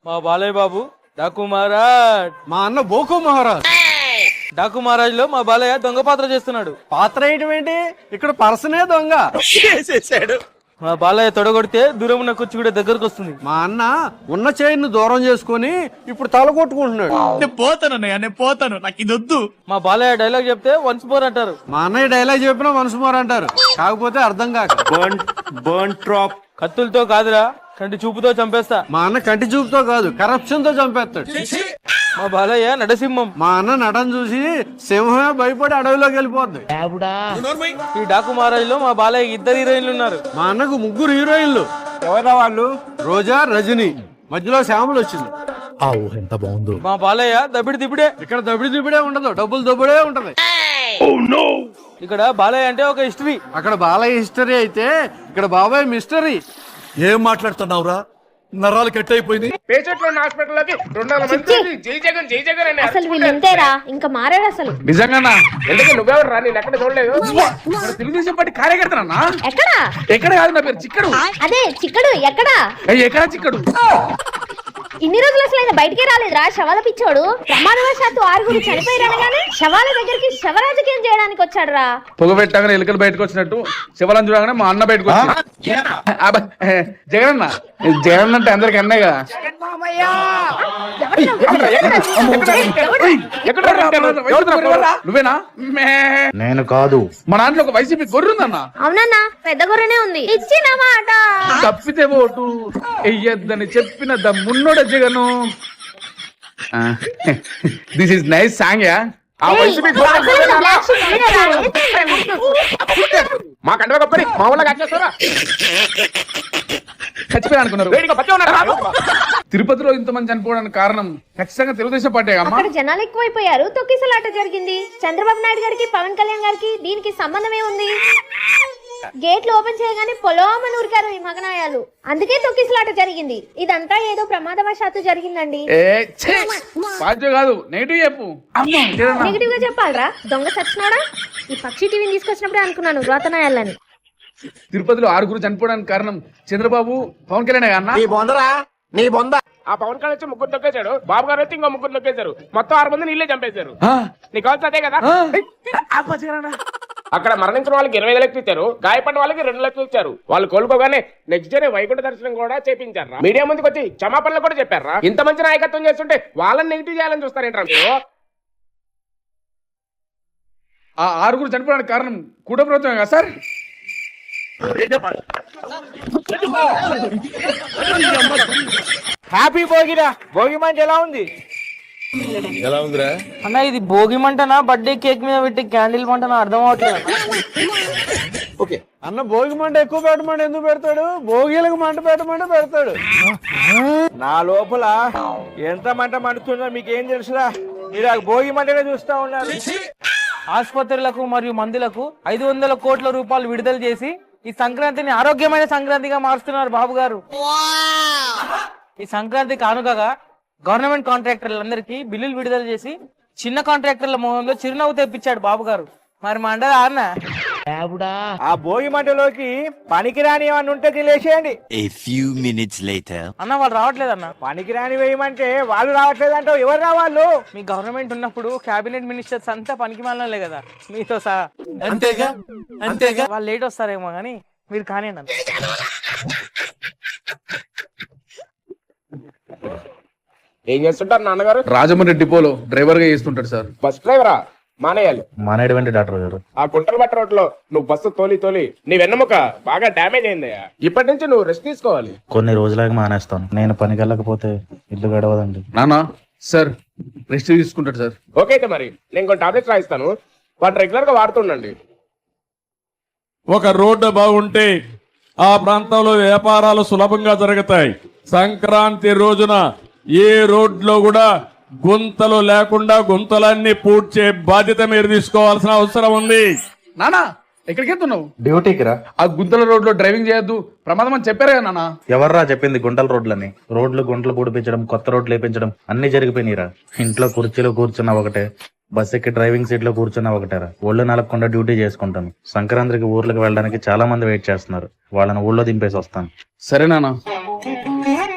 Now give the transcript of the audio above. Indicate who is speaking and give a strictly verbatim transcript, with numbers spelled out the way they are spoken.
Speaker 1: మా బాలయ్య బాబు డాకు మహారాజ్.
Speaker 2: మా అన్న బోకు మహారాజ్.
Speaker 1: డాకు మహారాజ్ లో మా బాలయ్య దొంగ పాత్ర చేస్తున్నాడు.
Speaker 2: పాత్ర వేయటం ఏంటి, ఇక్కడ పర్సనే దొంగ
Speaker 3: చేసేసాడు.
Speaker 1: మా బాలయ్య తొడగొడితే దూరం ఉన్న కుర్చీ కూడా దగ్గరకు వస్తుంది.
Speaker 2: మా అన్న ఉన్న చైన్ దూరం చేసుకుని ఇప్పుడు తల కొట్టుకుంటున్నాడు.
Speaker 3: నేను పోతాను అన్నయ్య, నేను పోతాను, నాకు ఇది వద్దు.
Speaker 1: మా బాలయ్య డైలాగ్ చెప్తే వన్స్ మోర్ అంటారు.
Speaker 2: మా అన్నయ్య డైలాగ్ చెప్పినా మనసు మోర్ అంటారు, కాకపోతే అర్థం కాక.
Speaker 4: Burn trap.
Speaker 1: కత్తులతో కాదురా, కంటి చూపుతో చంపేస్తా.
Speaker 2: మా అన్న కంటి చూపుతో కాదు, కరప్షన్ తో చంపేస్తాడు.
Speaker 1: మా బాలయ్య నడసింహం.
Speaker 2: మా అన్న నటన చూసి సింహమే భయపడి అడవిలోకి వెళ్ళిపోద్ది.
Speaker 1: ఈ డాకు మహారాజ్ లో మా బాలయ్య ఇద్దరు హీరోయిన్లు ఉన్నారు.
Speaker 2: మా అన్నకు ముగ్గురు హీరోయిన్లు.
Speaker 4: ఎవరా వాళ్ళు?
Speaker 2: రోజా, రజని, మధ్యలో శ్యామలు వచ్చింది.
Speaker 4: ఎంత బాగుందో.
Speaker 1: మా బాలయ్య దబిడి దిబిడే.
Speaker 2: ఇక్కడ దబిడి దిబిడే ఉండదు, డబ్బులు దబ్బుడే ఉంటది.
Speaker 1: ఇక్కడ బాలయ్య అంటే ఒక హిస్టరీ.
Speaker 2: అక్కడ బాలయ్య హిస్టరీ అయితే ఇక్కడ బాబాయ్ మిస్టరీ.
Speaker 4: ఏం మాట్లాడుతున్నావురా? నరాలు కట్ అయిపోయింది.
Speaker 5: అసలు వీళ్ళంతేరా, ఇంకా మారాడు అసలు.
Speaker 3: నిజంగా ఎందుకంటే నువ్వెవరు రా, నేను ఎక్కడ చూడలేదు. తెలుగుదేశం పార్టీ కార్యకర్తనా?
Speaker 5: ఎక్కడా?
Speaker 3: ఎక్కడ కాదు, నా పేరు చిక్కడు.
Speaker 5: అదే చిక్కడు. ఎక్కడా?
Speaker 3: ఎక్కడ చిక్కడు?
Speaker 5: ఇన్ని రోజులు అసలు ఆయన బయటికే రాలేదురా, శవాల పిచ్చోడు. ప్రమాదవశాత్తు ఆరుగురు చనిపోయారనగానే శవాల దగ్గరికి శవరాజకీయం చేయడానికి వచ్చాడు రా.
Speaker 3: పొగ పెట్టగానే ఎలుకలు బయటకు వచ్చినట్టు శివలం చూడగానే మా అన్న బయటకు వచ్చి జగన్ అన్న, జగన్ అంటే అందరికి అన్నయ్య కదా. నువ్వేనా?
Speaker 4: నేను కాదు.
Speaker 3: మా దాంట్లో ఒక వైసీపీ గొర్రె ఉందన్న.
Speaker 5: అవునన్నా, పెద్ద గొర్రెనే ఉంది. ఇచ్చిన మాట
Speaker 3: తప్పితే ఓటు ఎయ్యద్దని చెప్పిన దమ్మున్నోడ Jagan. This is nice song yeah. ఆ వైసీపీ మా కంటే గొప్పని మా ఊళ్ళో కట్టేస్తారా? చచ్చిపోయా అనుకున్నారు. తిరుపతిలో ఇంతమంది చనిపోవడానికి కారణం ఖచ్చితంగా తెలుగుదేశం పార్టీ.
Speaker 5: అక్కడ జనాలు ఎక్కువైపోయారు, తొక్కిసలాట జరిగింది. చంద్రబాబు నాయుడు గారికి, పవన్ కళ్యాణ్ గారికి దీనికి సంబంధం ఏముంది? గేట్లు ఓపెన్ చేయగానే పొలోమని ఉరికారు ఈ మగనాయాలు, అందుకే తొక్కిసలాట జరిగింది. ఇదంతా ఏదో ప్రమాదవశాత్తు జరిగిందండి.
Speaker 3: కాదు, నెగిటివ్ చెప్పు.
Speaker 5: నెగిటివ్ గా చెప్పాలరా, దొంగ సచ్చినాడా? ఈ పక్షి టీవీని తీసుకొచ్చినప్పుడే అనుకున్నాను రోతనాయాలని.
Speaker 3: తిరుపతిలో ఆరుగురు చనిపోవడానికి కారణం చంద్రబాబు, పవన్ కళ్యాణ్ అన్న.
Speaker 4: నీ బొందరా, నీ బొంద.
Speaker 6: ఆ పవన్ కళ్యాణ్ వచ్చి ముగ్గురు నొక్కేశాడు, బాబు గారు వచ్చి ఇంకో ముగ్గురు నొక్కేశారు, మొత్తం ఆరు మంది నీళ్ళే చంపేశారు. నీకు కావాల్సి అదే కదా. అక్కడ మరణించిన వాళ్ళకి ఇరవై ఐదు లక్షలు ఇచ్చారు, గాయపడిన వాళ్ళకి రెండు లక్షలు ఇచ్చారు. వాళ్ళు కోలుకోగానే నెక్స్ట్ డే వైకుంఠ దర్శనం కూడా చేపించారు. మీడియా ముందుకు వచ్చి క్షమాపణలు కూడా చెప్పారా? ఇంత మంచి నాయకత్వం చేస్తుంటే వాళ్ళని నెగిటివ్ చేయాలని చూస్తారేంటారు మీరు?
Speaker 3: ఆ ఆరుగురు చనిపోవడానికి కారణం కూటమి ప్రభుత్వం కదా సార్?
Speaker 1: హ్యాపీ భోగిరా. భోగి మంట ఎలా ఉంది?
Speaker 4: ఎలా ఉందిరా
Speaker 1: అన్న, ఇది భోగి మంటనా బర్త్డే కేక్ మీద పెట్టి క్యాండిల్ మంటనా అర్థం అవట్లేదు.
Speaker 2: ఓకే అన్న, భోగి మంట ఎక్కువ పెట్టమంటే ఎందుకు పెడతాడు? భోగిలకు మంట పెట్టమంటే పెడతాడు.
Speaker 1: నా లోపల ఎంత మంట మండుతుందో మీకేం తెలుసురా? మీరు ఆ భోగి మంటనే చూస్తా ఉన్నారు. ఆసుపత్రులకు మరియు మందులకు ఐదు వందల కోట్ల రూపాయలు విడుదల చేసి ఈ సంక్రాంతిని ఆరోగ్యమైన సంక్రాంతిగా మారుస్తున్నారు బాబు గారు. ఈ సంక్రాంతి కానుకగా గవర్నమెంట్ కాంట్రాక్టర్లందరికీ బిల్లులు విడుదల చేసి చిన్న కాంట్రాక్టర్ల మొహంలో చిరునవ్వు తెప్పించాడు బాబు గారు. మరి మా అండ అన్న ఆ భోగి మంటలోకి పనికిరాని ఏమన్నా ఉంటే తెలియచేయండి.
Speaker 7: A few minutes later.
Speaker 1: అన్న వాళ్ళు రావట్లేదన్న. పనికిరాని వేయమంటే వాళ్ళు రావట్లేదంటే ఎవరు రావాళ్ళు? మీ గవర్నమెంట్ ఉన్నప్పుడు క్యాబినెట్ మినిస్టర్స్ అంతా పనికి మాలలే కదా మీతో సహా.
Speaker 4: అంతేగా అంతేగా
Speaker 1: వాళ్ళు లేట్ వస్తారేమో కానీ మీరు కానీ అన్న.
Speaker 6: ఏం చేస్తుంటారు నాన్నగారు?
Speaker 3: రాజమండ్రి డిపోలో డ్రైవర్ గా చేస్తుంటాడు సార్.
Speaker 6: బస్ డ్రైవరా? మానేయాలి.
Speaker 4: మానేటువంటి డాక్టర్ గారు.
Speaker 6: ఆ గుంటల బట్ట రోడ్ లో నువ్వు బస్సు తోలి తోలి నీ వెన్నెముక బాగా డ్యామేజ్ అయిందయ్యా. ఇప్పటి నుంచి నువ్వు రెస్ట్ తీసుకోవాలి.
Speaker 4: కొన్ని రోజులకి మానేస్తాను. నేను పనికి వెళ్ళకపోతే ఇల్లు గడవదండి.
Speaker 3: నానా సార్ రెస్ట్ తీసుకుంటాడు సార్.
Speaker 6: ఓకే అయితే మరి నేను కొన్ని టాబ్లెట్స్ రాయిస్తాను, వాటి రెగ్యులర్ గా వాడుతుండండి.
Speaker 8: ఒక రోడ్డు బాగుంటే ఆ ప్రాంతంలో వ్యాపారాలు సులభంగా జరుగుతాయి. సంక్రాంతి రోజున ఏ రోడ్లో కూడా గుంతలు లేకుండా గుంతలన్నీ పూడ్చే బాధ్యత మీరు తీసుకోవాల్సిన అవసరం ఉంది.
Speaker 3: నానా ఎక్కడికి వెళ్తున్నావు?
Speaker 4: డ్యూటీకి రా.
Speaker 3: ఆ గుంతల రోడ్ లో డ్రైవింగ్ చేయొద్దు, ప్రమాదం అని చెప్పారు కదా నాన్న.
Speaker 4: ఎవర్రా చెప్పింది గుంటల రోడ్లని? రోడ్లు గుంటలు పూడిపించడం, కొత్త రోడ్లు వేపించడం అన్ని జరిగిపోయినాయిరా. ఇంట్లో కుర్చీలో కూర్చున్నా ఒకటే, బస్ ఎక్కి డ్రైవింగ్ సీట్ లో కూర్చున్నా ఒకటేరా. ఒళ్ళు నలపకుండా డ్యూటీ చేసుకుంటాను. సంక్రాంతికి ఊర్లకు వెళ్ళడానికి చాలా మంది వెయిట్ చేస్తున్నారు. వాళ్ళని ఊళ్ళో దింపేసి వస్తాను.
Speaker 3: సరే నాన్న.